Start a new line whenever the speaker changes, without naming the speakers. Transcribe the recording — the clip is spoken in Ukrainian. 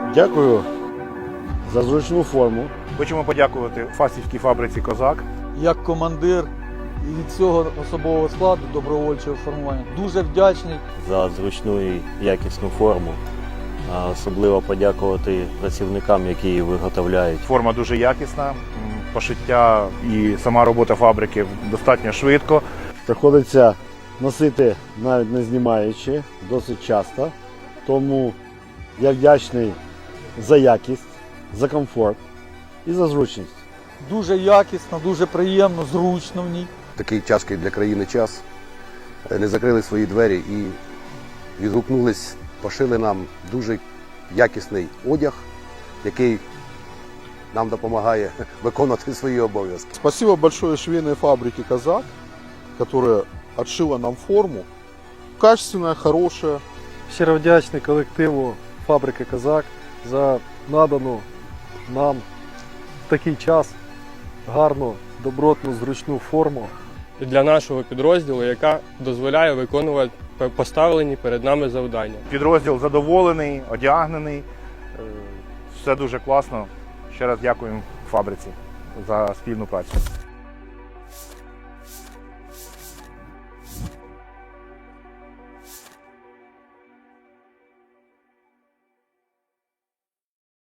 Дякую за зручну форму.
Хочемо подякувати Фастівській фабриці «Козак».
Як командир і від цього особового складу добровольчого формування дуже вдячний.
За зручну і якісну форму. А особливо подякувати працівникам, які її виготовляють.
Форма дуже якісна, пошиття і сама робота фабрики достатньо швидко.
Приходиться носити, навіть не знімаючи, досить часто. Тому я вдячний за якість, за комфорт і за зручність.
Дуже якісно, дуже приємно, зручно в ній.
Такий тяжкий для країни час. Не закрили свої двері і відгукнулись, пошили нам дуже якісний одяг, який нам допомагає виконувати свої обов'язки.
Спасибо большое швейной фабрике «Казак», которая отшила нам форму. Качественная, хорошая.
Щиро вдячний колективу фабрики «Казак» за надану нам в такий час гарну, добротну, зручну форму.
Для нашого підрозділу, яка дозволяє виконувати поставлені перед нами завдання.
Підрозділ задоволений, одягнений, все дуже класно. Ще раз дякуємо фабриці за спільну працю.